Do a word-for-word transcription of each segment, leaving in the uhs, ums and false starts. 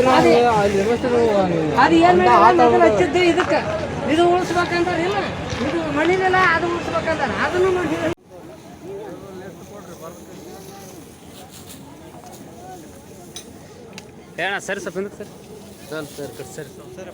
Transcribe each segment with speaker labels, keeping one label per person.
Speaker 1: ಅದು ಏನು ಹಚ್ಚಿದ್ದು ಇದಕ್ಕೆ ಇದು ಉಳಿಸ್ಬೇಕಂತಾರ ಇಲ್ಲ ಇದು ಮಣ್ಣಿನೆಲ್ಲ ಅದು ಉಳಿಸ್ಬೇಕಂತಾರ ಅದನ್ನು ಮಾಡಿ
Speaker 2: ಏಣ ಸರಿ ಸ್ವಲ್ಪ ಹಿಂದಕ್ಕೆ ಸರ್ ಸರ್ ಸರಿ ಸರಿ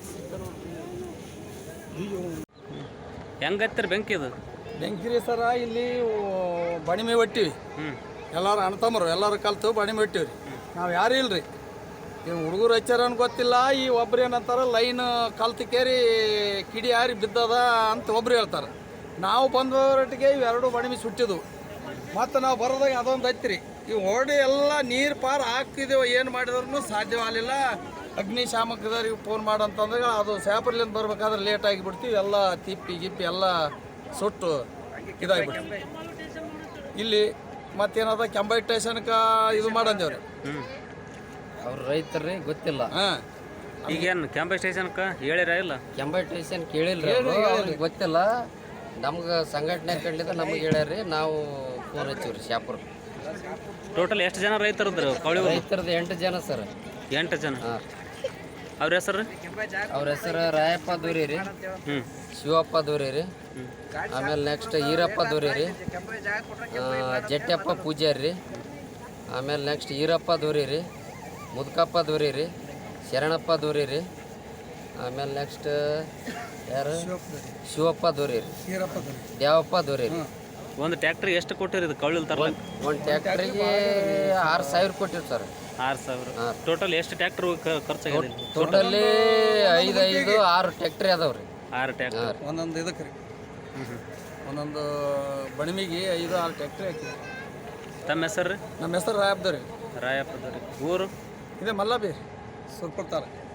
Speaker 2: ಹೆಂಗತ್ತರ ಬೆಂಕಿ ಇದು
Speaker 3: ಬೆಂಕಿ ರೀ ಸರ ಇಲ್ಲಿ ಬಣಿಮೆ ಒಟ್ಟಿವಿ ಎಲ್ಲರೂ ಅಣ್ತಮ್ಮರು ಎಲ್ಲರೂ ಕಲ್ತು ಬಣಿಮೆ ಒಟ್ಟಿವಿ ರೀ ನಾವು ಯಾರು ಇಲ್ಲ ರೀ ಇವು ಹುಡುಗರು ಹಚ್ಚಾರನ್ ಗೊತ್ತಿಲ್ಲ ಈ ಒಬ್ರು ಏನಂತಾರೆ ಲೈನ್ ಕಲ್ತು ಕೇರಿ ಕಿಡಿ ಯಾರಿ ಬಿದ್ದದ ಅಂತ ಒಬ್ರು ಹೇಳ್ತಾರೆ ನಾವು ಬಂದವರೊಟ್ಟಿಗೆ ಇವೆರಡು ಬಣಿಮೆ ಸುಟ್ಟಿದ್ವು ಮತ್ತು ನಾವು ಬರೋದಾಗ ಅದೊಂದು ಹತ್ತಿರಿ ಇವು ಹೊರಡಿ ಎಲ್ಲ ನೀರು ಪಾರು ಹಾಕ್ತಿದ್ದೇವೆ ಏನು ಮಾಡಿದ್ರೂ ಸಾಧ್ಯವಾಗಲಿಲ್ಲ ಅಗ್ನಿಶಾಮಕದವ್ರಿಗೆ ಫೋನ್ ಮಾಡಂತಂದ್ರೆ ಅದು ಸ್ಯಾಪರ್ಲಿಂದ ಬರ್ಬೇಕಾದ್ರೆ ಲೇಟ್ ಆಗಿಬಿಡ್ತೀವಿ ಎಲ್ಲ ತಿಪ್ಪಿ ಗಿಪ್ಪಿ ಎಲ್ಲ ಸುಟ್ಟು ಇದಾಗಿಬಿಡ್ತೀವಿ ಇಲ್ಲಿ ಮತ್ತೇನದ ಕೆಂಬೈ ಸ್ಟೇಷನ್ಗೆ ಇದು ಮಾಡಂದೇವ್ರಿ
Speaker 4: ಅವ್ರು ರೈತರ್ರಿ ಗೊತ್ತಿಲ್ಲ
Speaker 3: ಹಾಂ
Speaker 2: ಈಗೇನು ಕೆಂಪೆ ಸ್ಟೇಷನ್ಗೆ ಹೇಳಿರ ಇಲ್ಲ
Speaker 4: ಕೆಂಬೈ ಸ್ಟೇಷನ್ ಕೇಳಿಲ್ಲ ಅವ್ರಿಗೆ ಗೊತ್ತಿಲ್ಲ ನಮ್ಗೆ ಸಂಘಟನೆ ಕಂಡಿದ್ದ ನಮಗೆ ಹೇಳ್ಯಾರ್ರಿ ನಾವು ಫೋನ್ ಹಚ್ಚಿವ್ರಿ ಶಾಪುರ್
Speaker 2: ಟೋಟಲ್ ಎಷ್ಟು ಜನ ರೈತರದ್ರು ಕವಳಿ
Speaker 4: ರೈತರದ್ದು ಎಂಟು ಜನ ಸರ್
Speaker 2: ಎಂಟು ಜನ
Speaker 4: ಹಾಂ
Speaker 2: ಅವ್ರ ಹೆಸರು
Speaker 4: ಅವ್ರ ಹೆಸರು ರಾಯಪ್ಪ ದೂರಿ ರೀ
Speaker 2: ಹ್ಞೂ
Speaker 4: ಶಿವಪ್ಪ ದೂರಿ ರೀ ಆಮೇಲೆ ನೆಕ್ಸ್ಟ್ ಈರಪ್ಪ ದೂರಿ ರೀ ಜಟ್ಟಪ್ಪ ಪೂಜಾರಿ ರೀ ಆಮೇಲೆ ನೆಕ್ಸ್ಟ್ ಈರಪ್ಪ ದೂರಿ ರೀ ಮುದ್ಕಪ್ಪ ದೂರಿ ರೀ ಶರಣಪ್ಪ ದೂರಿ ರೀ ಆಮೇಲೆ ನೆಕ್ಸ್ಟ್ ಯಾರು ಶಿವಪ್ಪ ದೂರಿ ರೀ ದೇವಪ್ಪ ದೂರಿ ರೀ
Speaker 2: ಒಂದು ಟ್ಯಾಕ್ಟ್ರಿಗೆ ಎಷ್ಟು ಕೊಟ್ಟಿರಿ ಇದು ಕವಳಿ ತರಲ್ಲ
Speaker 4: ಒಂದು ಟ್ಯಾಕ್ಟ್ರಿಗೆ ಆರು ಸಾವಿರ ಕೊಟ್ಟಿರಿ ಸರ್
Speaker 2: ಆರು ಸಾವಿರ ಟೋಟಲ್ ಎಷ್ಟು ಟ್ಯಾಕ್ಟ್ರ್ ಖರ್ಚಾಗಿದೆ
Speaker 4: ಟೋಟಲಿ ಐದು ಐದು ಆರು ಟ್ಯಾಕ್ಟ್ರಿ ಅದಾವ ರೀ
Speaker 2: ಆರು ಟ್ಯಾಕ್ಟರ್
Speaker 3: ಒಂದೊಂದು ಇದಕ್ಕೆ ರೀ ಒಂದೊಂದು ಬಣಿಮಿಗೆ ಐದು ಆರು ಟ್ಯಾಕ್ಟ್ರಿ ಹಾಕಿದ್ವಿ
Speaker 2: ತಮ್ಮ ಹೆಸರು ರೀ
Speaker 3: ನಮ್ಮ ಹೆಸರು ರಾಯಪ್ಪ ರೀ
Speaker 2: ರಾಯಪ್ಪದವ್ರಿ ಊರು
Speaker 3: ಇದೇ ಮಲ್ಲಬಿ ಸುರ್ಪುರ್ ತಾಲೂಕು